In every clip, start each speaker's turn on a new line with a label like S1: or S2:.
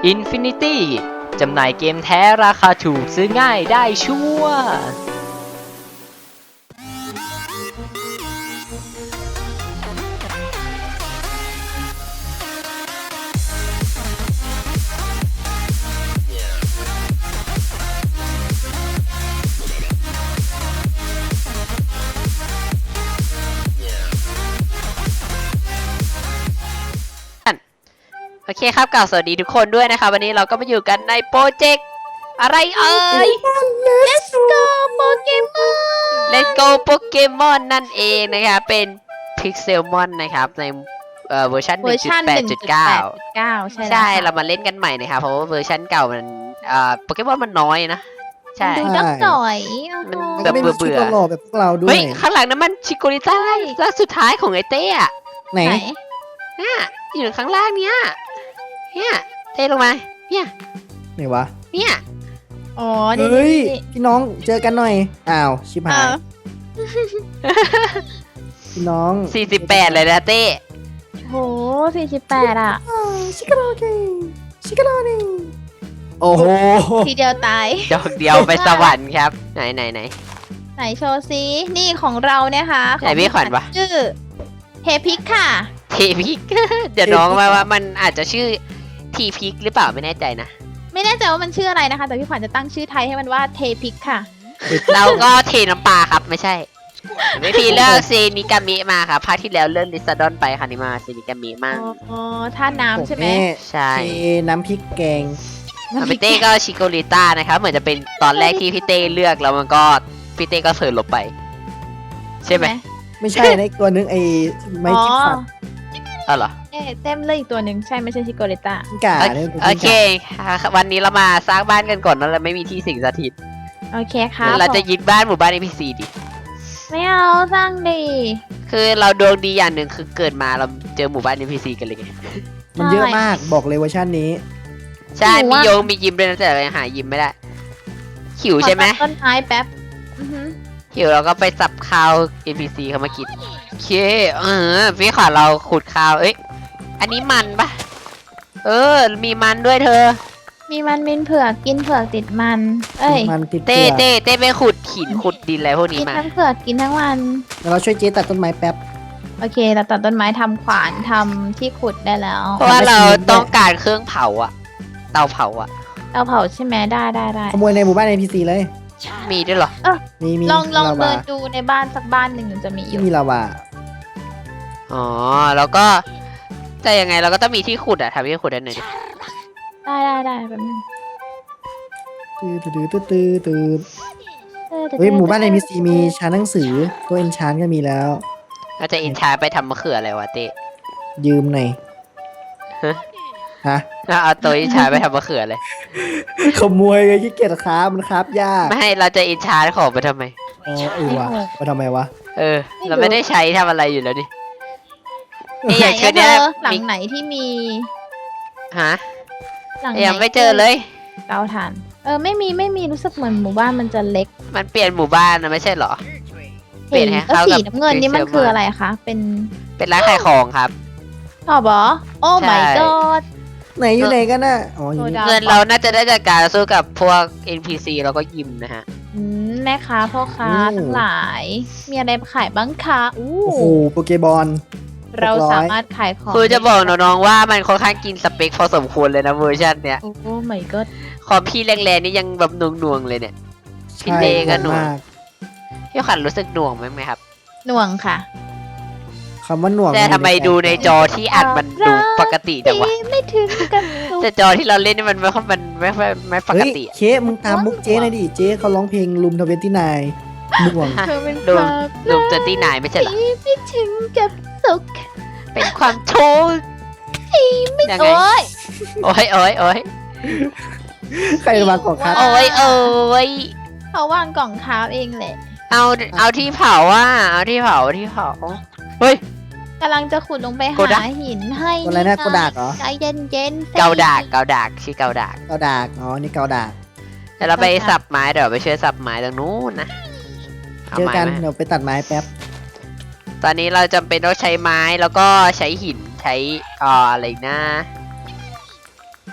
S1: Infinity จำหน่ายเกมแท้ราคาถูกซื้อง่ายได้ชัวร์โอเคครับกล่าวสวัสดีทุกคนด้วยนะคะวันนี้เราก็มาอยู่กันในโปรเจกต์อะไรเอ่ย
S2: Let's go Pokemon
S1: Let's go Pokemon นั่นเองนะคะเป็น Pixelmon นะครับในเวอร์ชัน 1.8.9
S2: ใช่
S1: ใช่ เรามาเล่นกันใหม่นะครับเพราะว่าเวอร์ชันเก่ามันโปเกมอนมันน้อยนะใช่
S2: ดูดักจ่อย
S1: มัน
S2: โอ้โห
S1: แบบเบื่อ
S3: หล่อแบบพวกเราด้ว
S1: เฮ้
S3: ย
S1: ยข้างหลังนั้นมันชิโกริต้าล่าสุดท้ายของไอเต้อะ
S3: ไหน
S2: ไหน
S1: เนี่ยอยู่ข้างล่างเนี้ยเนี่ยเต้ลงมาเนี่ย
S3: ไหนวะ
S1: เนี่ย
S2: อ๋อนี่
S3: เฮ้ย
S2: นี่
S3: พี่น้องเจอกันหน่อยอ้าวชิบหาย
S2: อ้าว
S3: พี่น้อง
S1: 48เลยนะเต้
S2: โห48อ่ะ
S3: ชิคาโรเกชิคาโรเนโอ้โห
S2: ทีเดียวตาย
S1: ดอกเดียวไปสวรรค์ครับไหน
S2: ไหนโชว์ซินี่ของเราเนี่ยค่ะ
S1: ไหนพี่ขวัญวะ
S2: ชื่อเฮพิกค่ะ
S1: ทีพิก เดี๋ยวน้องว่ามันอาจจะชื่อทีพิกหรือเปล่าไม่แน่ใจนะ
S2: ไม่แน่ใจว่ามันชื่ออะไรนะคะ แต่พี่ขวัญจะตั้งชื่อไทยให้มันว่าเทพิกค่ะ
S1: เราก็เทน้ำปลาครับไม่ใช่ไม่พี่เลือกเซนิกามิมาครับภาคที่แล้วเลื่อนลิซาดอนไปค่ะนี่มาเซนิกามิมาก
S2: อ๋อท่าน้ำใช่ไหม
S1: ใช่
S3: เทน้ำพริกแกง
S1: พี่เต้ก็ชิโกริต้านะครับเหมือนจะเป็นตอนแรกที่พี่เต้เลือกแล้วมันก็พี่เต้ก็เสิร์ฟลบไป ใช่ไหม
S3: ไม่ใช่นะอีกตัวนึงไอ้ไม้
S2: อ๋อ
S3: จิ้มฟัน
S1: เอาเหรอ
S2: เต็มเลยอีกตัวหนึ่งใช่ไม่ใช่ชิโกริต้า
S3: กิ้งก่าเนี่ย
S1: โอเควันนี้เรามาสร้างบ้านกันก่อนนะเราไม่มีที่สิงสถิต
S2: โอเคครับ
S1: เราจะยึดบ้านหมู่บ้าน NPC ดิ
S2: ไม่เอาสร้างดี
S1: คือเราดวงดีอย่างหนึ่งคือเกิดมาเราเจอหมู่บ้าน NPC กันเลยไง
S3: มันเยอะมากบอกเลยเวอร์ชันนี้
S1: ใช่มีโยงมียิมด้วยนะแต่เรายังหายิมไม่ได้หิวใช่ไหม
S2: ขอตัดต้นไม้แป๊บอือหือ
S1: หิวเราก็ไปสับข้าว NPC เข้ามากินโอเคพี่ขอเราขุดข้าวเอ้ยอันนี้มันปะมีมันด้วยเธอ
S2: มีมันมินเผือกกินเผือกติดมัน เอ้ย
S3: มันติด
S1: เต้
S3: เกลือ
S1: เต้ไปขุดหินขุดดินอะไรพวก
S2: กิ
S1: นี้
S2: น
S1: มา
S2: ทั้งเผือกกินทั้งวัน
S3: แล้วเราช่วยเจ๊ตัดต้นไม้แป๊บ
S2: โอเคเราตัดต้นไม้ทำขวานทำที่ขุดได้แล้ว
S1: เพราะว่าเราต้องการเครื่องเผาอะเตาเผาอะ
S2: เตาเผาใช่ไหมได้ได้ได้
S3: ขโมยในหมู่บ้าน NPC เลย
S1: มีด้วยเหรอ
S3: มี
S2: ลอง
S3: ลาวา
S2: เดินดูในบ้านสักบ้านหนึ่งมันจะมีอยู่
S3: มีลาวา
S1: อ๋อแล้วก็แต่ยังไงเราก็ต้องมีที่ขุดอะทำที่ขุดได้หน่อยดิ
S2: ได้ได้ได้แบบนึง
S3: ตื้อเฮ้ยหมู่บ้าน NPC มีชั้นหนังสือตัวเอนชานก็มีแล้ว
S1: เราจะอินชาไปทำมะเขืออะไรวะเต้
S3: ยืมหน่อย
S1: ฮะ
S3: ฮะ
S1: เอาตัวอินชาไปทำมะเขือเลย
S3: ขโมยไงขี้เกียจค้ามันครับยาก
S1: ไม่ให้เราจะอินชาของไปทำไม
S3: อ๋อว่ะมาทำไมวะ
S1: เราไม่ได้ใช้ทำอะไรอยู่แล้วนี่ นี่
S2: ไหน
S1: อย่างเช่
S2: อะ
S1: น
S2: เธ
S1: เนี้ย
S2: อหลั
S1: มี
S2: งไหนที่มี
S1: ฮะ
S2: หลังไหน
S1: ยังไม่เจอเลย
S2: เตาถ่านไม่มีรู้สึกเหมือนหมู่บ้านมันจะเล็ก
S1: มันเปลี่ยนหมู่บ้านนะไม่ใช่เหรอ เปลี่ยนให้
S2: แล้ว
S1: เข้า
S2: สี
S1: กับ
S2: น้ำเงินนี่มัน
S1: Pixelmon
S2: คืออะไรคะเป็น
S1: เป็นร้านขายของครับ
S2: ชอบบอโอ้
S1: ใช่
S2: my god
S3: ไหนอยู่ไหนกันน่ะอ๋ออยู่นี่
S2: โซดา
S1: เงินเราน่าจะได้จากการสู้กับพวก NPC แล้วก็ยิมนะฮะ
S2: แม่ค้าพ่อค้าทั้งหลาย มีอะไรขายบ้างคะอู้
S3: โอ้โหโปเกบอล
S2: เรา
S3: 600
S2: สามารถขายของ
S1: คือจะบอกน้องๆว่ามันค่อนข้างกินสเปคพอสมควรเลยนะเวอร์ชันเนี้ย
S2: โอ้ my god
S1: คอมพี่แรงๆนี่ยังแบบหน่วงๆเลยเนี่ย พี่
S3: ใช่
S1: เต้ก็หน่วง
S3: มาก
S1: พี่ขันรู้สึกหน่วงไหมครับ
S2: หน่วงค่ะ
S3: คำว่าหน่วง
S1: แต่ทำไมดูในจอที่อัดมันดูปกติจังวะ
S2: ไม่ถึงกับสุ
S1: แต่
S2: ด
S1: จอที่เราเล่นนี่มันไม่ปก
S3: เฮ้ย
S1: ติอะ
S3: เคมึงตามมุกเจ๊หน่อยดิเจ๊เขาร้องเพลงลุมทเวนตี้นายหน่วง
S2: เธอเป็น
S1: ดู
S2: ความ
S1: ดูเจอที่ไหนไม่ใช่เหรอ
S2: ที่ไม่ถึงกับสุข
S1: เป็นความโชว์ยังไง
S2: โอ้ย
S1: โอ้ย
S3: ใครมาก่อนครับ
S1: โอ้ย
S2: เขาวางกล่องค้าเองแหละ
S1: เอาที่เผาอ่ะเอาที่เผาเฮ้ย
S2: กำลังจะขุดลงไป
S1: โกดั
S2: หาก หินให้
S3: ตัวอะไรนะโกดากเหรอ
S2: ใจเย็นๆ
S1: เกาดากชื่อเกาดาก
S3: เกาดากอ๋อนี่เกาดาก
S1: แต่เราไปสับไม้เดี๋ยวไปช่วยสับไม้ตรงนู้นนะ
S3: เจอกัน
S1: าไม้ไหม
S3: เดี๋ยวไปตัดไม้แป๊บ
S1: ตอนนี้เราจำเป็นต้องใช้ไม้แล้วก็ใช้หินใช้อะไรอีกนะ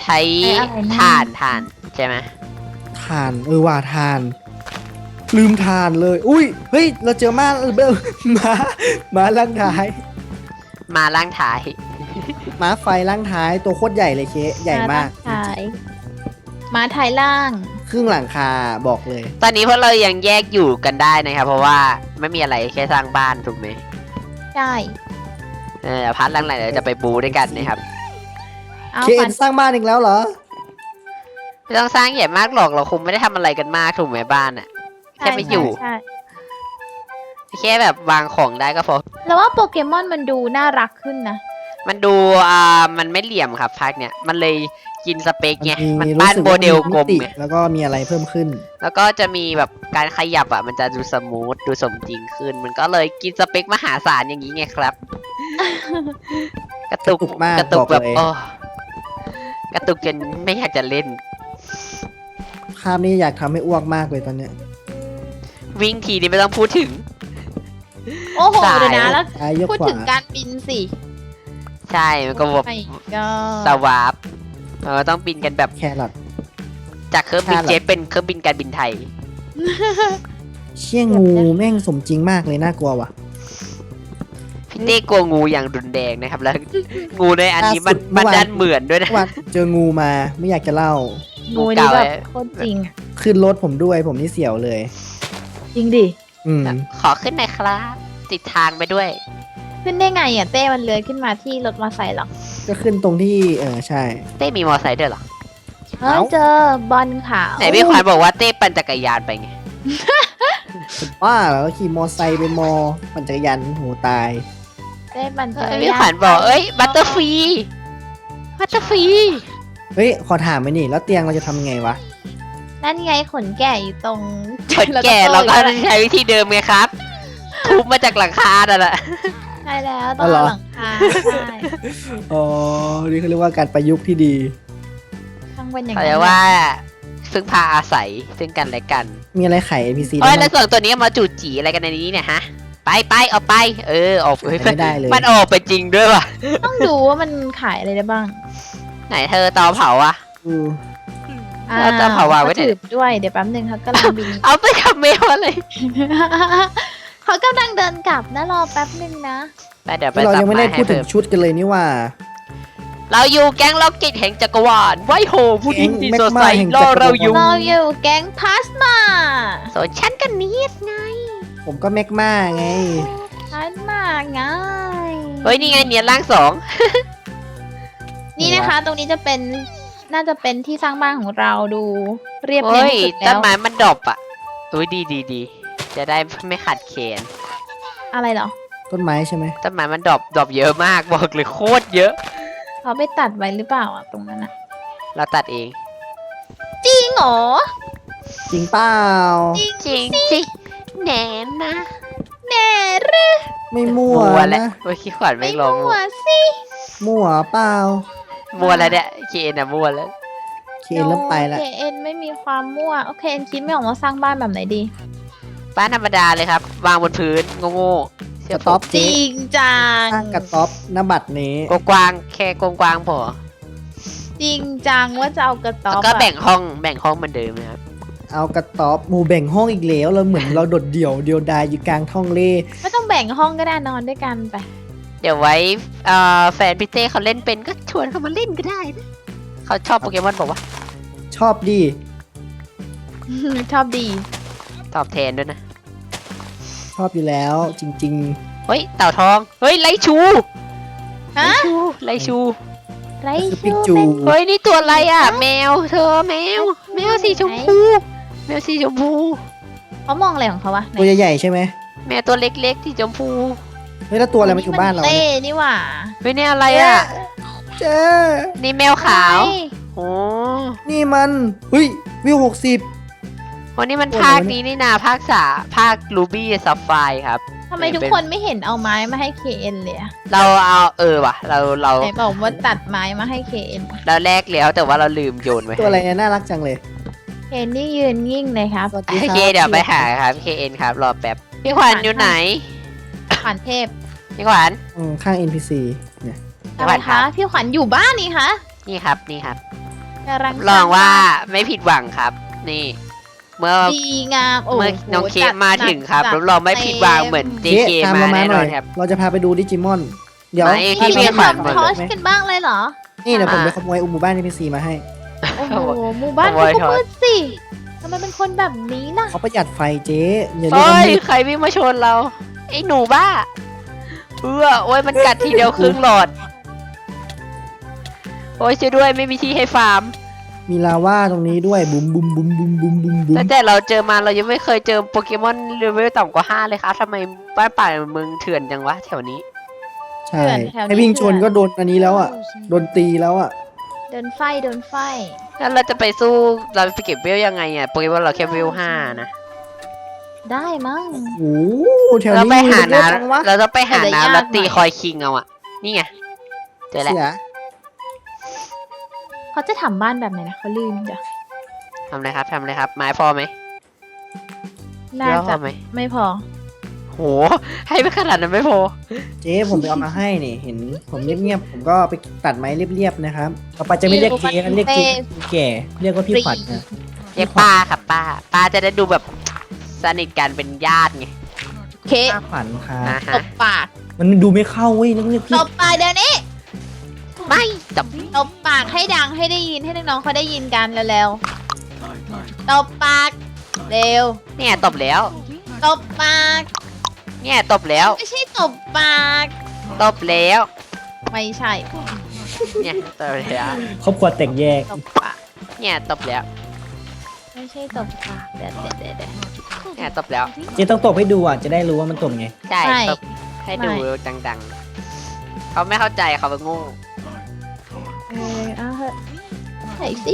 S1: ใช้
S2: อะไรนะ
S1: ถ่านใช่ไหม
S3: ถ่านว่าถ่าน ลืมถ่านเลย อุ้ยเฮ้ยเราเจอม้าเบลม้าล่างท้าย
S1: มาล่างท้าย
S3: ม้าไฟล่างท้ายตัวโคตรใหญ่เลยเคใหญ่มาก
S2: ถ่ายมาถ่ายล่าง
S3: ครึ่งหลังคาบอกเลย
S1: ตอนนี้พวกเรายังแยกอยู่กันได้นะครับ เพราะว่าไม่มีอะไรแค่สร้างบ้านถูกไหม
S2: ใช่
S1: พาร์ทหลังๆเดี๋ยวจะไปบูด้วยกันนะครับ
S2: เอา
S3: เค
S2: ฟั
S3: เอ็
S2: น
S3: นสร้างบ้านอีกแล้วเหรอ
S1: ไม่ต้องสร้างใหญ่มากหรอกเราคงไม่ได้ทำอะไรกันมากถูกไหมบ้านอะ แค่ไม่อยู่
S2: ใช่
S1: แค่แบบวางของได้ก็พอ
S2: แล้วว่าโปเกมอนมันดูน่ารักขึ้นนะ
S1: มันดูมันไม่เหลี่ยมครับภาคเนี้ยมันเลยกินสเปคไง มัน
S3: รู้
S1: บ้าน
S3: สึก
S1: โม
S3: ว่า
S1: เดลกลม
S3: ติ
S1: ไง
S3: แล้วก็มีอะไรเพิ่มขึ้น
S1: แล้วก็จะมีแบบการขยับอ่ะมันจะดูสมูทดูสมจริงขึ้น มันก็เลยกินสเปคมหาศาลอย่างนี้ไงครับ กระตุก
S3: กระตุกมาก
S1: กระตุก
S3: บอก
S1: แบบ
S3: เลย
S1: โอ้กระตุกจนไม่อยากจะเล่น
S3: ภาพนี้อยากทำให้อ้วกมากเลยตอนเนี้ย
S1: วิ่งทีนี้ไม่ต้องพูดถึง
S2: โอ้โห
S1: สาย
S2: เดี๋ยวนะแล้ว
S3: ซ้ายยก
S2: พูด
S3: ขวา
S2: ถึงการบินสิ
S1: ใช่มันก็แบบ
S2: ไม่ก็
S1: สวาปต้องบินกันแบบ
S3: แครอท
S1: จากเครื่องบิน
S3: แค่หรอ
S1: เจ็ตเป็นเครื่องบินการบินไทย
S3: เชี่ยงูแม่งสมจริงมากเลยน่ากลัวว่ะ
S1: พี่เต้กลัวงูอย่างรุนแรงนะครับ แล้ว งูในอันนี้มัน
S3: ล่าสุดเมื่
S1: มัน
S3: อวาน
S1: ดันเหมือนด้วยนะ
S3: ว่าเจองูมาไม่อยากจะเล่า
S2: งูนี่แบบโคตรจริง
S3: ขึ้นรถผมด้วยผมนี่เสียวเลย
S2: จริงดิ
S3: อืม
S1: ขอขึ้นหน่อยครับ ติดทางไปด้วย
S2: ขึ้นได้ไงอ่ะเต้มันเลื้อยขึ้นมาที่รถมอเตอร์ไซค์หรอ
S3: ก็ขึ้นตรงที่ใช่
S1: เต้มีมอไซค์ด้วยเหรอ
S2: เฮ้ย
S3: เอ้า
S2: เจอบอลขาว
S1: ไหนพี่ขวัญบอกว่าเต้ปั่นจักรยานไปไง
S3: ว่าแล้วขี่มอไซค์ไปมอปั่นจักรยานโหตาย
S2: เต้ปั่นจักรยาน
S1: พี่ขวัญบอกเอ้ยบัตเตอร์ฟรีบัตเตอร์ฟรี
S3: เฮ้ยขอถามไปนี่แล้วเตียงเราจะทำไงวะ
S2: นั่นไงขนแก่อยู่ตรง
S1: คนแก่เราก็ใช้วิธีเดิมไงครับ ทุบมาจากหลังคานั่นแหละ
S2: ใช่แล้วต้องเอาหลังคาใช่
S3: อ๋อนี่เขาเรียกว่าการประยุกต์ที่ดี
S2: ต้องเป็นอย่าง
S1: เขา
S2: นั้
S1: เรี
S2: น
S1: ยกว่าพึ่งพาอาศัยซึ่งกันและกัน
S3: มีอะไรไข NPC
S1: เอ้ย
S3: ได้
S1: แล้ว
S3: บ้าง
S1: ส่วนตัวนี้มาจูดจีอะไรกันในนี้เนี่ยฮะ ไปออกไป ออก
S3: ไม่ได้เลย
S1: มันออกไปจริงด้วยว่ะ
S2: ต้องดูว่ามันขายอะไรได้บ้าง
S1: ไหนเธอเตาเผาอะ
S3: อืม
S1: เราจะเผาวางไว้ไหน
S2: ถือด้วยเดี๋ยวแป๊บนึงเขากำลังบิน
S1: เอาไปทำเมลอะไร
S2: เขากำลังเดินกลับนะรอแป๊บนึงนะ
S1: ไปเดี๋ยวไป
S3: เรา
S1: สับ
S3: ยังไม่
S1: มา
S3: ได้
S1: ให้
S3: พูดถึ
S1: เพิ่
S3: ง
S1: ม
S3: ชุดกันเลยนี่ว่า
S1: เราอยู่แก๊งล็อกเก็ตแห่งจักรวาลไวโฮผู้ที่ดี
S3: แก๊ง
S1: สดใส
S3: แม็กมาแห่ง
S1: ร
S3: จั
S1: อก
S3: รวาล
S1: เราอยู่
S2: เราอยู่แก๊งพาสมา
S1: ส่วนฉันก็นิดไง
S3: ผมก็แมกมาไง
S2: พาสมาไง
S1: เฮ้ยนี่ไงเนี่ยร่างสอง
S2: นี่นะคะ ตรงนี้จะเป็นน่าจะเป็นที่สร้างบ้านของเราดูเรียบเนีย
S1: เฮ้
S2: น
S1: ย
S2: ที่สุด
S1: ต้
S2: แล้
S1: น
S2: ว
S1: ไม้มันดรอปอ่ะอุ้ยดีจะได้ไม่ขาดเขน
S2: อะไรเหรอ
S3: ต้นไม้ใช่ไหม
S1: ต้นไม้มันดรอปเยอะมากบอกเลยโคตรเยอะ
S2: เขาไปตัดไว้หรือเปล่าอ่ะตรงนั้นอ่ะ
S1: เราตัดเอง
S2: จริงเหรอ
S3: จริงเปล่า
S1: จริงสิแหนนะ
S2: แน่หรือ
S3: ไม่มั่ว
S1: แล้ว
S3: นะ
S1: เมื่อกี้ขวัญ
S2: ไม่
S1: ไม่ลง
S2: มั่วสิ
S3: มั่วเปล่า
S1: มัวแล้วเนี่ยเคนอะมัวแล้ว
S3: เคนเริ่มไปแล้ว
S2: โอเคเอ็นไม่มีความมั่วโอเคเอ็นคิดไม่ออกว่าสร้างบ้านแบบไหนดี
S1: บ้านธรรมดาเลยครับ วางบนพื้นโง่ๆเชื่
S3: ก
S1: อ
S3: ระ
S1: ผ
S3: ต๊อ
S1: ม
S3: บ
S2: จ
S3: เจ๊
S2: ริงจัง
S3: สร้างกระต๊อบหน้าบัตรนี้
S1: กว้างๆแค่กว้างๆพอ
S2: จริงจังว่าจะเอากระต๊
S1: แล้
S2: อ
S1: ว
S2: บ
S1: ก็
S2: อะ
S1: แบ่งห้องเหมือนเดิมนะครับ
S3: เอากระต๊อบหมู่แบ่งห้องอีกแล้วเราเหมือนเราโดดเดี่ยวเดียวดายอยู่กลางท้องเล่
S2: ไม่ต้องแบ่งห้องก็ได้นอนด้วยกันไป
S1: เดี๋ยวไว้แฟนพี่เต้เขาเล่นเป็นก็ชวนเขามาเล่นก็ได้นะเขาชอบโปเกมอนบอกว่า
S3: ชอบดิ
S2: ชอบดี
S1: ตอบแทนด้วยนะ
S3: ชอบอยู่แล้วจริง
S1: เฮ้ยเต่าทองเฮ้ยไลชู
S2: ฮะ
S1: ไลชู
S2: ไร
S3: ๆก็คือปิ
S2: ชู
S3: กจู
S2: เป็น
S1: เฮ้ยนี่ตัวอะไรอ่ะ แมวเธอแมวสีชมพูแมวสีชมพู
S2: เขามองอะไรของเขาวะไหน
S3: ตัวใหญ่ๆใช่ไหม
S1: แมวตัวเล็กๆสีชมพู
S3: เฮ้ยแล้วตัวอะไรมาอยู่บ้านเรา
S2: เต้
S3: เนี่ย
S2: นี่หว่า
S1: เฮ้ยนี่อะไรอ่ะ
S3: เจ๊
S1: นี่แมวขาว
S2: อะไร
S1: โอ้
S3: นี่มันเฮ้ยวิว60
S1: วันนี้มัน
S3: ตัว
S1: ภาค
S3: อะไรวะเนี่ย
S1: นี้นี่นาภาครูบี้ซับไฟครับ
S2: ทำไมทุกคนไม่เห็นเอาไม้มาให้เคเอ็นเลยอะ
S1: เราเอาว่ะเรา
S2: ไหนบอกว่าตัดไม้มาให้เคเอ็น
S1: เราแลกแล้วแต่ว่าเราลืมโยนไว้
S3: ตัวอะไรเนี่ยน่ารักจังเลย
S2: เคเอ็นนี่ยืนยิ่งเลยครับ
S3: สวัสดี
S1: โอ
S3: ครับ
S1: เคเดี๋ยวไปหาครับ KN ครับรอแป๊บพี่ขวัญอยู่ไหน
S2: ขวัญเทพ
S1: พี่ขวัญ
S3: ข้าง NPC เนี่ย
S1: พี่ขวัญ
S2: อะไร
S1: ครั
S2: คะ
S1: บ
S2: พี่ขวัญอยู่บ้านนี่คะ
S1: นี่ครับนี่ครับ
S2: กำลัง
S1: ลองว่าไม่ผิดหวังครับ นี่ เมื่อ
S2: ดีงามโอ้โห
S1: เมื่อน้องเค
S2: จั
S1: ก
S2: ด
S1: มาถึงครับ
S2: จัด
S1: รับรองไม่ผิดหวังเหมือนเจ
S3: เจ๊
S1: เค
S3: ตาม
S1: มา
S3: เรามา
S1: แน่
S3: ห
S1: น
S3: น่
S1: อ
S3: อน ย
S1: ครับ
S3: เราจะพาไปดูดิจิมอน เดี๋ยว
S1: ไม่
S2: นี่
S1: พี่
S2: พี่
S1: ขวัญ
S2: ทำทอชกันบ้างเลยเหรอ
S3: นี่เดี๋ยวผม
S1: อ่า
S3: ไปขโมยหมู่บ้านNPCมาให้
S2: โอ้โหหมู่บ้าน
S1: ขโมย
S2: เขา
S1: ทอด
S2: ก็มืดสิทำไมเป็นคนแบบนี้ล่ะ
S3: เขาประหยัดไฟเจ๊อย่าเรียก
S1: เฮ้
S3: ว่าย มืด
S1: ใครวิ่งมาชนเรา ไอ้หนูบ้าโอ้ยมันกัดทีเดียวครึ่งหลอด โอ้ยช่วยด้วยไม่มีที่ให้ฟาร์ม
S3: มีลาว่าตรงนี้ด้วยบุ้มบุ้มบุ้มบุ้มบุ้มบุ้มบุ้ม
S1: ตั้งแต่เราเจอมาเรายังไม่เคยเจอโปเกมอนเลเวลต่ำกว่า5เลยครับทำไมบ้านป่าเมืองเถื่อนจังวะแถวนี้
S3: ใช่
S2: แถวนี้
S3: ให้วิ่งชนก็โดนอันนี้แล้วอ่ะโดนตีแล้วอ่ะ
S2: เดินไฟ
S1: แล้วเราจะไปสู้เราไปเก็บเวลยังไงอ่ะโปเกมอนเราแค่เวล5นะ
S2: ได้มั้ง
S3: โอ้โหแถว
S1: เรา
S3: นี้
S1: ไปหา
S3: มีเยอะจังวะ
S1: น้ำเราต้องไปหา
S2: แต่ยาก
S1: น้ำแล้วตี
S2: หน่อย
S1: คอยคิงเอาอ่ะ นี่ไงเจอแล้ว
S3: เสีย
S2: เขาจะทำบ้านแบบไหนนะเขาลืมจ้ะ
S1: ทำเลยครับทำเลยครับ ไม้พอไหม
S2: น่า
S1: เยอะพ
S2: จะ
S1: อไหม
S2: ไม่พอ
S1: โห ให้ไปขนาดนั้นไม่พอ
S3: เจ๊ผมไปเอามาให้นี่เห็นผมเงียบๆผมก็ไปตัดไม้เรียบๆนะครับต่อไปจะไม่เรียกเจ๊นะเรียกเจ๊แก่เรียกว่าพี่ขวัญนะ
S1: เรียกป้าครับป้าจะได้ดูแบบสนิทกันเป็นญาติไง
S2: เค
S3: ป้าขวัญครับ
S1: นะ
S2: ต
S1: ฮะ
S2: บปาก
S3: มันดูไม่เข้าเว้ยต้องเรียก
S2: ต
S3: พี่
S2: บปากเดี๋ยวนี้
S1: ไม่จับ
S2: ตบปากให้ดังให้ได้ยินให้น้องๆเขาได้ยินกันเร็วๆตบปากเร็ว
S1: เนี่ยตบแล้ว
S2: ตบปาก
S1: เนี่ยตบแล้ว
S2: ไม่ใช่ตบปาก
S1: ตบแล้ว
S2: ไม่ใช่
S1: เนี่ยตบแล้ว
S3: ครอบครัวแตกแยก
S2: ตบปาก
S1: เนี่ยตบแล้ว
S2: ไม่ใช่ตบปากเดี๋ยว
S1: เนี่ยตบแล้ว
S3: เจ๊ต้องตบให้ดูอ่ะจะได้รู้ว่ามันตบไง
S1: ใช่
S2: ไม่
S1: ตบให้ดู
S2: ไม่
S1: ดังๆเขาไม่เข้าใจเขาเป็นโงู
S2: เอาเถอะไหนสิ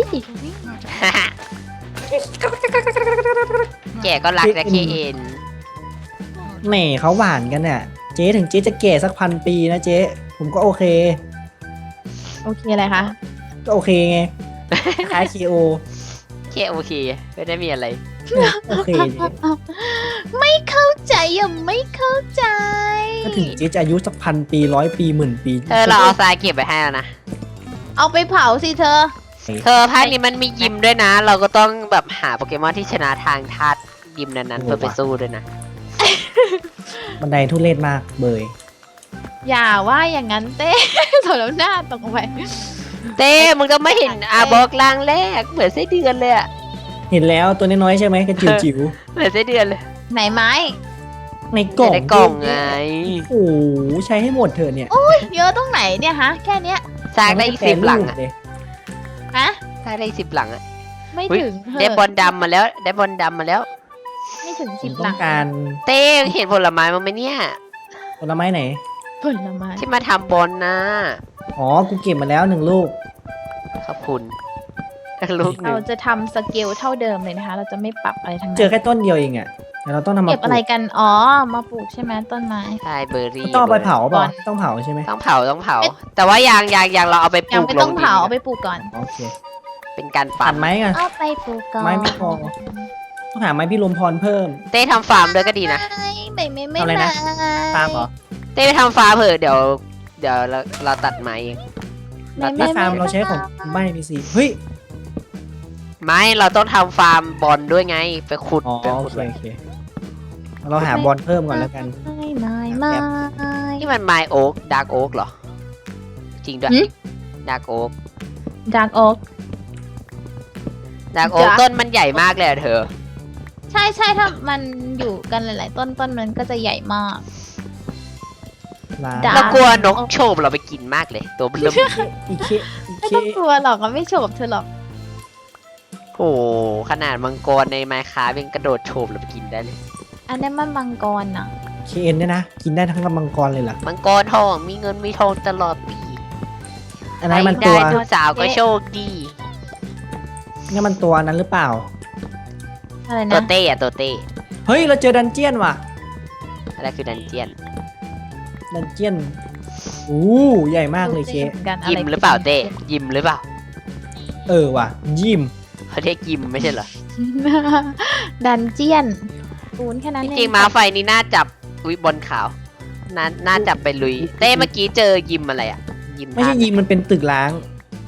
S1: แกก็รักแต่เคเอ็น
S3: แหมเขาหวานกันน่ะ เจ๊ถึงเจ๊จะแก่สัก1,000 ปีนะเจ๊ผมก็โอเค
S2: โอเคอะไรคะ
S3: ก็โอเคไงคล้าย KO
S1: เคโอเคไม่ได้มีอะไร
S3: โอเคเจ๊
S2: ไม่เข้าใจยังไม่เข้าใจ
S3: ก็ถึงเจ๊จะอายุสัก1,000 ปี100 ปี10,000 ปี
S1: เราเอาทรายเก็บไปให้แล้วนะ
S2: เอาไปเผาสิเธอ
S1: เธอภาคนี้มันมียิมด้วยนะ เราก็ต้องแบบหาโปเกมอนที่ชนะทางธาตุยิมนั้นๆเพื่อไปสู้ด้วยนะ
S3: บันไดทุเรศมากเบย
S2: อย่าว่าอย่างนั้นเต้ ถอดแล้วหน้าตกไป
S1: เต้มึงต้องไม่เห็นอาบอกล่างแรกเหมือนไส้เดือนเลยอะ
S3: เห็นแล้วตัวน้อยๆใช่ไหมกระจิ๋วจิ๋ว
S1: เหมือนไส้เดือนเลย
S2: ไหนไม้
S3: ๆในกล่อง
S1: ในกล่องไง
S3: โอ้โหใช้ให้หมดเถอะเนี่ย
S2: เยอะตรงไหนเนี่ยฮะ แค่เนี้ย
S1: สร้างได้อีก10 หลังอะ
S3: เลย
S2: ฮะ
S1: สร้างได้อีก10 หลังอะ
S2: ไม่
S1: เฮ้ย
S2: ถึง
S1: ได้บอลดำมาแล้วได้บอลดำมาแล้ว
S2: ไม่ถึง
S3: ผ
S2: สิ
S3: ม
S2: บ
S3: ต้
S2: ห
S3: อ
S2: ลั
S3: ง
S2: ง
S3: การ
S1: เต้เห็นผลไม้มั้งไหมเนี่ย
S3: ผลไม้ไหน
S2: ผลไม้
S1: ที่มาทำบอลนะ
S3: อ๋อ กูเก็บมาแล้ว1 ลูก
S1: ขอบคุณลูกหนึ่
S2: เรา
S1: ง
S2: จะทำสเกลเท่าเดิมเลยนะคะ เราจะไม่ปรับอะไรทั้ง
S3: เจอ
S2: นั้น
S3: แค่ต้นเดียวเองอ่ะเดี๋ยวเราต้องทำมา
S2: เก็บ
S3: ปลู
S2: อะไร
S3: ก
S2: กัน อ๋อ มาปลูกใช่ไหมต้นไม้
S1: ใช่เบอร์รี่
S3: ต้องเอาไปเผาเปล่า
S2: บอล
S3: ต้องเผาใช่ไหม
S1: ต้องเผาแต่ว่ายางเราเอาไปป
S2: ยั
S1: ลู
S2: ง
S1: ก
S2: ไม่
S1: ล
S2: ต้อง ง
S1: ดิน
S2: เผาเอาไปปลูกก่อน
S3: โอเค
S1: เป็นการ
S3: ตั
S1: ปั่
S3: ด
S1: น
S3: ไม้กัน
S2: เอาไปปลูกก่อน
S3: ไม้ไม่พอ ต้องหาไม้พี่ลมพรเพิ่ม
S1: เต้ทำฟาร์มด้วยก็ดีนะ
S2: ไม่
S3: ทำอะไรนะ ตามเหรอ
S1: เต้ไปทำฟาร์มเถอะเดี๋ยวเราตัดไม้เอง
S2: ไม่
S3: ไม่ฟาร์มเราใช้ของไม่มีสิเฮ้ย
S1: ไม่เราต้องทำฟาร์มบอลด้วยไง ไปขุด
S3: อ๋อ
S1: ไป
S3: โอ
S1: ขุด
S3: เคโอเคเราหาบอลเพิ่มก่อนแล้วกัน
S2: ไม่
S1: นี่มันไมโอ๊กดาร์กโอ๊กเหรอ จริงด้วยดาร์กโอ๊ก
S2: ดักโอ๊ก
S1: ดาร์กโอ๊ก
S2: Dark
S1: ต้นมันใหญ่มากเลยอะเธอ
S2: ใช่ถ้ามันอยู่กันหลาย ๆ ต้นมันก็จะใหญ่มาก
S3: ร้าน
S2: Dark
S1: เรากลัวนกโฉบเราไปกินมากเลย ตัวเริ่ม
S3: อีเคอี
S2: ไม่
S3: เค
S2: ต้องกลัวหรอกมันไม่โฉบเธอหรอก
S1: โอ้โหขนาดมังกรในไมค์คราฟยังกระโดดโฉบเราไปกินได้เลย
S2: อันนั้นมันมังกรน่ะ
S3: เคเอ็นเนี่ยนะ กินได้ทั้งลำมังกรเลยเหรอ
S1: มังกรทองมีเงินมีทองตลอดปี
S3: อันนั้นมัน
S1: ใคร
S3: ตัว
S1: ได้ทุกสาวก็โชคดี
S3: นี่มันตัวนั้นหรือเปล่า
S2: อะไร
S1: ตัว
S2: นะ
S1: เต้อะตัวเต้
S3: เฮ้ย เราเจอดันเจียนว่ะ
S1: อะไรคือดันเจียน
S3: ดันเจียนอู้ใหญ่มากเลยเค
S2: หมือนกันอะ
S1: ยิ
S2: ไร
S1: มหรือเปล่าเต้ยิมหรือเปล่า
S3: เออว่ะ ยิม
S1: เขาเรียกยิมไม่ใช่เหรอ
S2: ดันเจียนปูนแค่นั้น
S1: จ
S2: เอง
S1: ริงๆม้าไฟนี่น่าจับอุ้ยบอลขาวน่าจับไปลุย เต้เมื่อกี้เจอยิมอะไรอ่ะ ยิม
S3: ไม่ใช่
S1: ทาง
S3: ยิมมันเป็นตึกล้าง
S2: ย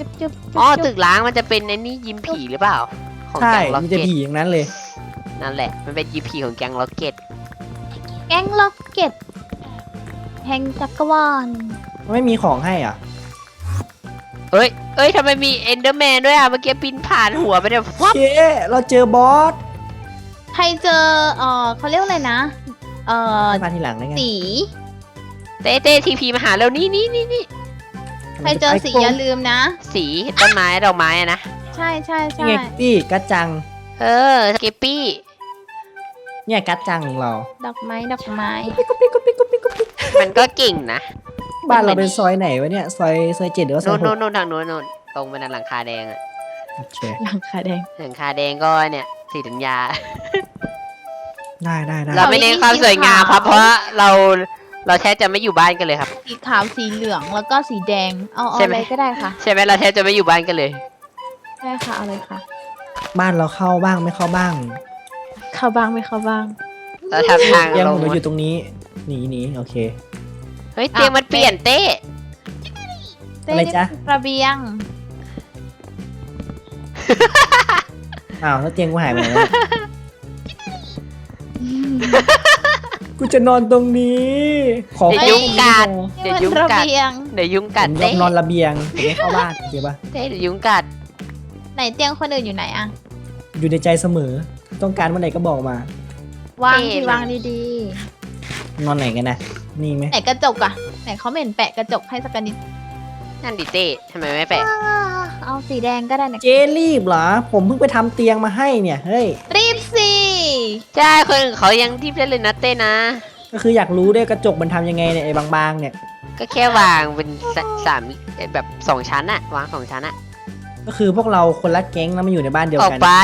S2: จุ๊บจุ๊บ
S1: อ๋อตึกล้างมันจะเป็นไอ้นี่ยิมผีหรือเปล่า ของ
S3: ใช่
S1: แก๊งล็อก
S3: มีแต่
S1: เก็ต
S3: ผีอย่างนั้นเลย
S1: นั่นแหละ มันเป็นยิมผีของแก๊งล็อกเก็ต
S2: แก๊งล็อกเก็ตแห่งจักรวาล
S3: ไม่มีของให้อ่ะ
S1: เอ้ยทำไมมีเอนเดอร์แมนด้วยอ่ะ เมื่อกี้ปีนผ่านหัวไปเนี่ยฟับ
S3: เจ๊เราเจอบอส
S2: ใครเจอเขาเรียกว่าอะไรนะ
S3: มาทีหลังได้ไง
S2: สี
S1: เต้ทีพีมาหาเรานี่
S2: ใครเจอสีอย่าลืมนะ
S1: สีต้นไม้ดอกไม้อะนะ
S2: ใช่ใช่
S3: นี่
S2: ใช่
S3: ไงพี่กัจจัง
S1: เออสเกปปี้
S3: เนี่ยกัจจังของเรา
S2: ดอกไม้ดอกไม้
S1: มันก็เก่งนะ
S3: บ้านเราเป็นซอยไหนวะเนี่ยซอย7หรือว่าซอย
S1: นู่นทางนู้นตรงไปนั่นหลังคาแดงอะ
S3: 6โอเค
S2: หลังคาแดง
S1: หลังคาแดงก็เนี่ยสีธัญญา
S3: ได้
S1: เราไม่เน้นความสวยงามครับ เพราะเราแทบจะไม่อยู่บ้านกันเลยครับ
S2: สีขาวสีเหลืองแล้วก็สีแดงเอา
S1: ใช่ไหม
S2: อะไรก็ได้ค่ะ
S1: ใช่ไหมเราแทบจะไม่อยู่บ้านกันเลย
S2: ได้ค่ะเอาเลยค่ะ
S3: บ้านเราเข้าบ้างไม่เข้าบ้าง
S2: เข้าบ้างไม่เข้าบ้าง
S1: เราทำทาง
S3: เตียง
S1: ล
S3: ผ
S1: ง
S3: มเราอยู่ตรงนี้หนีโอเค
S1: เฮ้ยเตียงมันเปลี่ยนเต้
S2: เต้
S3: อะไรจ๊ะ
S2: นี่เป็นระเบียง
S3: อ้าวแล้วเตียงกูหายไปไหนวะกูจะนอนตรงนี้ ขอ
S1: เดี๋ยวยุงกัด
S2: นี่
S1: เดี๋ยว
S2: มัน
S1: ยุง
S2: ระ
S1: กัด
S2: เบียง
S1: เดี๋ยวยุง
S3: ผ
S1: กัด
S3: มยอ
S1: เต้
S3: มนอนระเบียงผมไม่เข้าบ้านโอเคปะ
S1: เต้เดี๋ยวยุงกัด
S2: ไหนเตียงคนอื่นอยู่ไหนอะ
S3: อยู่ในใจเสมอ ต้องการวันไหนก็บอกมา
S2: วาง
S1: เท่
S2: ที่
S1: เลย
S2: วางดี
S3: นอนไหนกันนะนี่ไหม
S2: ๆไหนกระจกอะไหนเขาไม่เห็นแปะกระจกให้สักนิด
S1: นั่นดิเต้ทำไมไม่แปะ
S2: เอาสีแดงก็ได้นะ
S3: เจรีบเหรอ ผมเพิ่งไปทำเตียงมาให้เนี่ยเฮ้ย
S2: รีบสิ
S1: ใช่คนอื่นเขายังทิพย์ได้เลยนะเต้นะ
S3: ก็คืออยากรู้ด้วยกระจกมันทำยังไงเนี่ยไอ้บางๆเนี่ย
S1: ก็แค่วางเป็นสามแบบ2 ชั้นอะวาง2 ชั้นอะ
S3: ก็คือพวกเราคนละแก๊งแล้วมาอยู่ในบ้านเดียว
S1: ออก
S3: กัน
S1: ไป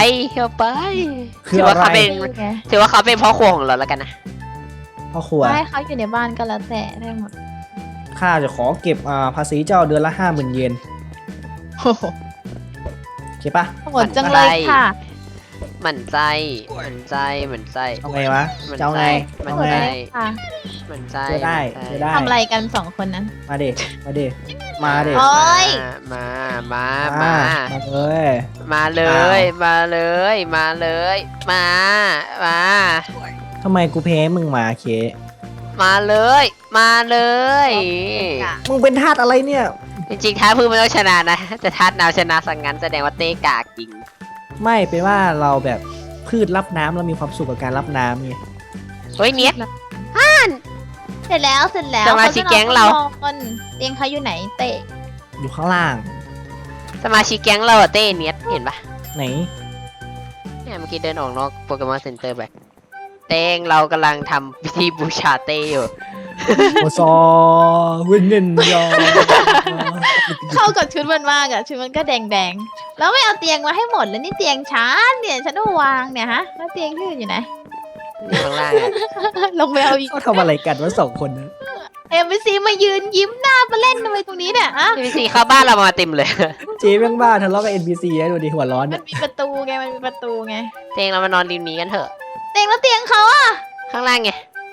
S3: คือ
S1: ถือว่าเขา
S3: อะไร
S1: เป็น
S2: นี่ไง
S1: ถือว่าเขาเป็นพ่อครัวของเราแล้วกันนะ
S3: พ่อครัว
S2: ให้เขาอยู่ในบ้านก็แล้วแต่ได้หมด
S3: ข้าจะขอเก็บภาษีเจ้าเดือนละ50,000 เยน
S2: โอ้โห
S3: โอเคปะ
S2: โหดจังเลยค่ะ
S1: หมั่นใจ
S3: เอาไงวะ
S1: มัน
S3: จะเอาไง
S1: มัน
S3: เอา
S2: โหด
S3: ไง
S2: จังเลยค่ะ
S1: หมั่นใจ
S3: เจอได้
S1: หมั่น
S3: เจ
S1: ใจ
S3: อได้
S2: ทำอะไรกันสองคนนั้น
S3: มาเด็มาเด็มาเด็
S2: โอ๊ย
S1: มา
S3: มา
S1: มา
S3: เลย
S1: มาเลย มาเลย มาเลย มา มา
S3: ทำไมกูแพ้มึงมาเค
S1: มาเลย มาเลย
S3: มึงเป็นทาสอะไรเนี่ย
S1: จริงๆท้าพื้นมันต้องชนะนะ แต่ท้าน้ำชนะสังงั้นแสดงว่าเต้กากจริง
S3: ไม่เป็นว่าเราแบบพืชรับน้ำเรามีความสุขกับการรับน้ำไง
S1: เฮ้ยเนี้ย
S2: เสร็จแล้วเสร็จแล้ว
S1: สมาชิกแก๊งเรา
S2: คนเตียงเขาอยู่ไหนเตะ
S3: อยู่ข้างล่าง
S1: สมาชิกแก๊งเราอะเต้เนี้ยเห็นปะ
S3: ไหน
S1: เนี่ยเมื่อกี้เดินออกนอกโปเกมอนเซ็นเตอร์ไปเต้งเรากำลังทำพิธีบูชาเต้อยู่
S3: โอซอวินเนนยอ
S2: เข้ากับชุดมันมากอะชุดมันก็แดงๆแล้วไม่เอาเตียงมาให้หมดแล้วนี่เตียงฉันเนี่ยฉันต้องวางเนี่ยฮะแล้วเตียงที่อื่นอยู่ไหน
S1: อยู่ข้างล่างอะ
S2: ลงไปเอาอีก
S3: เขาทำอะไรกันวะ2 คนนะ
S2: เอ็มซีมายืนยิ้มหน้ามาเล่นทำไมตรงนี้เนี่ยอะ
S1: พีซีเข้าบ้านเรามาเต็มเลย
S3: เจ๊แม่งบ้าทะเลาะกับ NPC ให้ดูดิหัวร้อน
S2: มั
S3: เนี่ย
S2: นมีประตูไงมันมีประตูไง
S1: เต้งเรามานอนริมนี้กันเถอะ
S2: เตียงแล้วเตียงเขาอะ
S1: ข้างล่างไง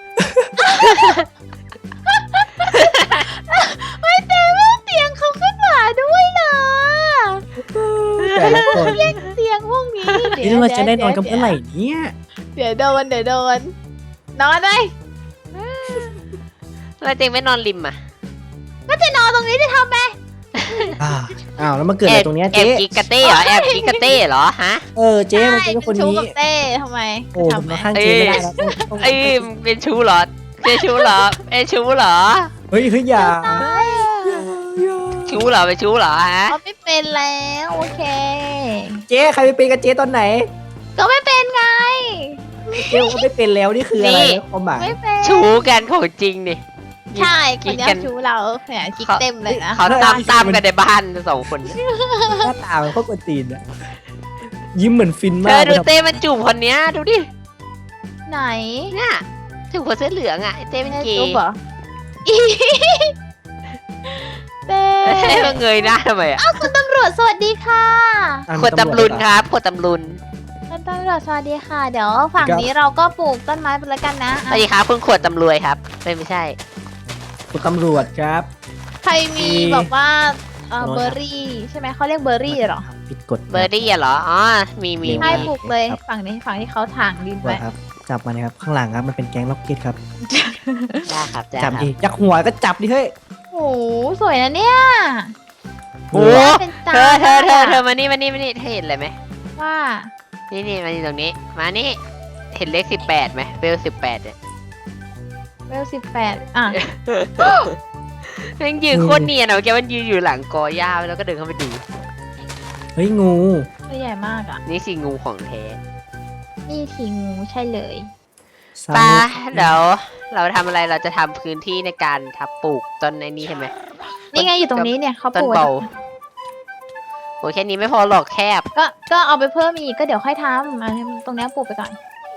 S2: ไม่เตียงแล้วเตียงเขาขึ้นมาด้วยนะ
S3: แต่ละคน
S2: เตียงพวกนี้
S3: นี่เราจะได้นอนกันเมื่อไหร่เนี่ย
S2: เดี๋ยวโดนนอนไหม
S1: เราเต้งไม่นอนริมอ่ะ
S2: ก็จะนอนตรงนี้จะทำไง
S3: อ้าวแล้วมาเกิดอะไรตรงเนี้ย
S1: แอ
S3: เจ๊
S1: บกิกกะเต้เหรอแอบกิกกะเต้เหรอฮะ
S3: เจ๊มันเป็นคน
S2: ชู้
S3: นี้
S2: กับเต้ทำไม
S3: โอ้ผ
S2: ทำ
S3: ม
S2: ไม
S3: มาข้างเจ๊ไม่ได้แล้วต้อง
S1: เอ้ยเป็นชู้เหรอเป็นชู้เหรอเป็นชู้เหรอ
S3: เฮ้ยอย่า
S1: ชู้เหรอเป็นชู้เหรอฮะ
S2: เขาไม่เป็นแล้วโอเค
S3: เจ๊ใครไปเป็นกับเจ๊ตอนไหน
S2: ก็ไม่เป็นไง
S3: เจ๊ก็ไม่เป็นแล้วนี่คืออะไรความหมาย
S2: ไม่เป็น
S1: ชู้กันของจริงดิ
S2: ใช่คน
S1: กิ๊ก
S2: เนี้
S1: กั
S2: ย
S1: น
S2: ชู้เราเนี่ยกิ๊กเต็มเลยนะ
S1: เขาตามกันในบ้าน2 คน
S3: หน้าตามันโคตรกวนตีนอะยิ้มเหมือนฟิน
S1: เธ
S3: มาก
S1: อดูเต้มันจูบคนเนี้ยดูดิ
S2: ไหน
S1: เนี่ยจูบคนเสื้อเหลืองอ่ะไอ้เต้เป็นเก
S2: ตุ๊บ
S1: ย์
S2: เหรออีเต้
S1: เต้ก็เงยหน้าทำไมอ่ะ
S2: คุณตำรวจสวัสดีค่ะ
S1: ขวดตำลุนครับขวดตำลุน
S2: คุณตำรวจสวัสดีค่ะ เดี๋ยวฝั่งนี้เราก็ปลูกต้นไม้ไปแล้วกันนะ
S1: สวัสดีครับคุณขวดตำรวยครับไม่ใช่
S3: คุณตำรวจครับ
S2: ใครมี
S3: มี
S2: แบบว่าเบอร์รี่ใช่ไหมเขาเรียกเบอร์รี่เหรอ
S3: ผิดกฎ
S1: เบอร์ดี้เหรอ อ๋อ มี
S2: ใช่ปลูกเลยฝั่งนี้ฝั่งที่เขาถางดิน
S3: ไว้
S2: ไว้
S3: ครับจับมาเลยครับข้างหลังครับมันเป็นแก๊งล็อกเก็ตครับ
S1: ได้ครับได้
S3: จับ
S1: ครับ
S3: ดิยักหัวก็จับดิเฮ้ย
S2: โอ้โหสวยนะเนี่ย
S1: โอ้
S2: เป็นตา
S1: เธอมานี่เธอเห็นอะไรไหม
S2: ว่า
S1: นี่มานี่ตรงนี้ มานี่ เห็นเลข18ไหมเบล18เนี่ย
S2: เวล18อ่ะ
S1: มันยืนโคตรเนียนอะแกมันยืนอยู่หลังกอหญ้าแล้วก็เดินเข้าไปดู
S3: เฮ้ยงู
S2: ตัวใหญ่มากอ่ะ
S1: นี่สิงูของแท้
S2: นี่ทีงูใช่เลย
S1: ปาเดี๋ยวเราทำอะไรเราจะทำพื้นที่ในการทับปลูกต้นในนี้ใช่ไหม
S2: นี่ไงอยู่ตรงนี้เนี่ยเขา
S1: ต้
S2: ป
S1: น
S2: ลูก
S1: เบาโอ้แค่นี้ไม่พอหรอกแคบ
S2: ก็เอาไปเพิ่มอีกก็เดี๋ยวค่อยทำอันนี้ตรงเนี้ยปลูกไปก่อน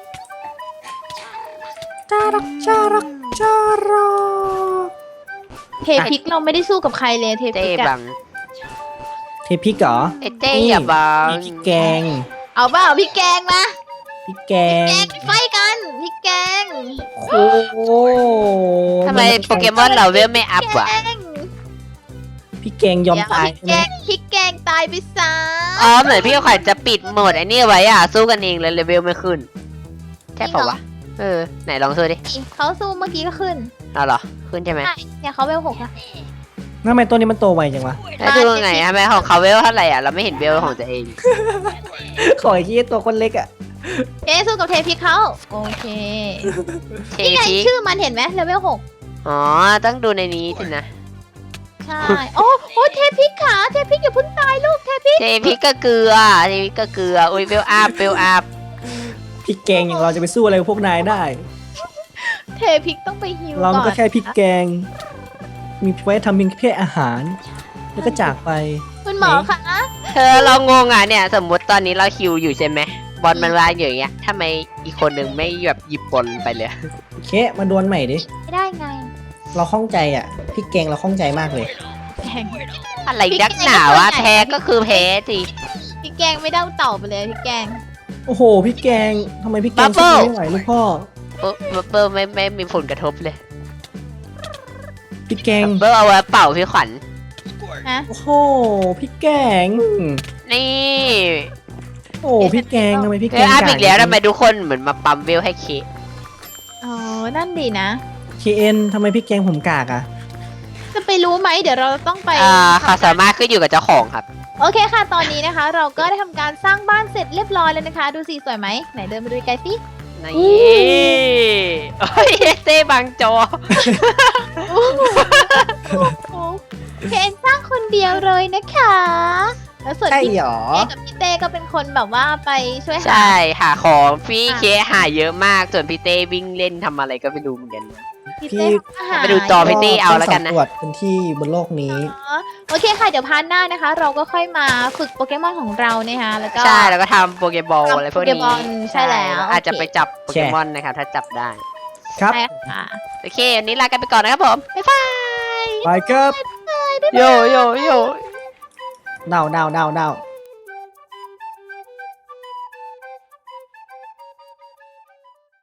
S3: จารักจารักจารัก
S2: เทพริกเราไม่ได้สู้กับใครเลยเทพ
S1: เต้
S2: ริก
S1: บั
S2: อะ
S1: ง
S3: เทพริกเหรอ
S1: ไอ้เต้อย่าบัง
S3: มีพริกแกง
S2: เอาเปล่าพริกแกงมา
S3: พริกแกง
S2: แกงไฟกันพริกแกง
S3: โอ้โห
S1: ทำไมโปเกมอนเราเวลไม่อัพวะ
S2: แกง
S3: พริกแกงยอมตาย
S2: พริก
S3: ใช่
S2: แก
S3: ไหม
S2: งพริกแกงตายไปซะ
S1: อ๋อเหมือนพี่ขวัญจะปิดโหมดไอ้นี่ไว้อ่ะสู้กันเองเลยเลเวลไม่ขึ้นใช่เปล่าวะเออไหนลองสู้ดิ
S2: เขาสู้เมื่อกี้ก็ขึ้น
S1: เอาเหรอขึ้นใช่ไหม
S2: ใช่เนี่ยเขาเวล6แล้ว
S3: ทำไมตัวนี้มันโตไวจังวะ
S1: แล้วดูยังไงทำไมของเขาเวลเท่าไหร่อ่ะเราไม่เห็นเวลของตัวเอง
S3: ขอไอ้ที่ตัวคนเล็กอ่ะ
S2: เจ๊สู้กับเทพริกเขาโอเค
S1: เท
S2: นี่ไง
S1: พิก
S2: ชื่อมันเห็นไหมเลเวล6
S1: อ๋อต้องดูในนี้สินะ
S2: ใช่โอ้เทพริกขาเทพริกอย่าเพิ่งตายลูกเทพริก
S1: เทพิกก็เกลือเทพิกก็เกลืออุ้ยเวลอัพเวลอัพ
S3: พริกแกงอย่างเราจะไปสู้อะไรกับพวกนายได้
S2: เทพริกต้องไปฮิว
S3: เรา
S2: ก่อน
S3: ก็แค่พริกแกง มีไว้ทำเป็นแค่อาหาร แล้วก็จากไป
S2: คุณหมอคะ
S1: เธอเรางงอ่ะเนี่ย สมมติตอนนี้เราคิวอยู่ใช่ไหมบอลมันวางอยู่อย่างเงี้ยทำไมอีกคนหนึ่งไม่แบบหยิบบอลไปเลย
S3: โอเค มาดวลใหม่ดิ
S2: ไม่ได้ไง
S3: เราข้องใจอ่ะ พริกแกงเราข้องใจมากเลย
S2: แกง
S1: อะไรนักหนาวะแพ้ก็คือแพ้สิ
S2: พริกแกงไม่ได้เต่าไปเลยพริกแกง
S3: โอ้โห พริกแกงทำไมพริกแกงสู้ไม่ไหวลูกพ่อ
S1: เบอร์ไม่มีผลกระทบเลย
S3: พริกแกง
S1: เบอร์เอาไว้เป่าพี่ขวัญ
S2: ฮะ
S3: โอ้โห พริกแกง
S1: นี่
S3: โอ้พริกแกงทำไมพริก
S1: เอ
S3: แก
S1: อง อัพอีกแล้วทำไมทุกคนเหมือนมาปั๊มเวลให้เค
S2: อ๋อนั่นดีนะ
S3: KN ทำไมพริกแกงผมกากอ่ะ
S2: จะไปรู้ไหมเดี๋ยวเราต้องไป
S1: เขาสามารถขึ้นอยู่กับเจ้าของครับ
S2: โอเคค่ะ ตอนนี้นะคะ เราก็ได้ทำการสร้างบ้านเสร็จเรียบร้อยแล้วนะคะ ดูสิสวยไหมไหนเดินมาดูไกลๆสิ
S1: นี่โอ้ยเต้บังจอ
S2: โอ้โหเคนสร้างคนเดียวเลยนะคะ แล้วส่วน
S3: ใช่
S2: พี่
S3: หรอ
S2: เต้กับพี่เต้ก็เป็นคนแบบว่าไปช่วยหา
S1: ใช่หาของพี่เคหาเยอะมากส่วนพี่เต้วิ่งเล่นทำอะไรก็ไม่รู้เหมือนกัน
S2: พี่เต้ทำอาหาร
S1: ไปดูจอ พี่ตี้เอาแล้วกันนะ
S3: สำรวจพื้นที่บนโลกนี้
S2: โอเคค่ะ เดี๋ยวพาร์ทหน้านะคะ เราก็ค่อยมาฝึกโปเกมอนของเรานะคะแล้วก็
S1: ใช่แล้วก็ทำโปเกบอล
S2: ทำ
S1: อะไรพวก
S2: โปเก
S1: นี้
S2: บอลใช่แล้ว
S1: อาจจะ
S2: โอเค
S1: ไปจับโปเกมอนนะครับถ้าจับได้
S3: ครับ
S2: ใช่ค่ะ
S1: โอเควันนี้ลากันไปก่อนนะครับผมบ๊ายบาย
S3: ไปครับ
S1: โยโยโย
S3: เดา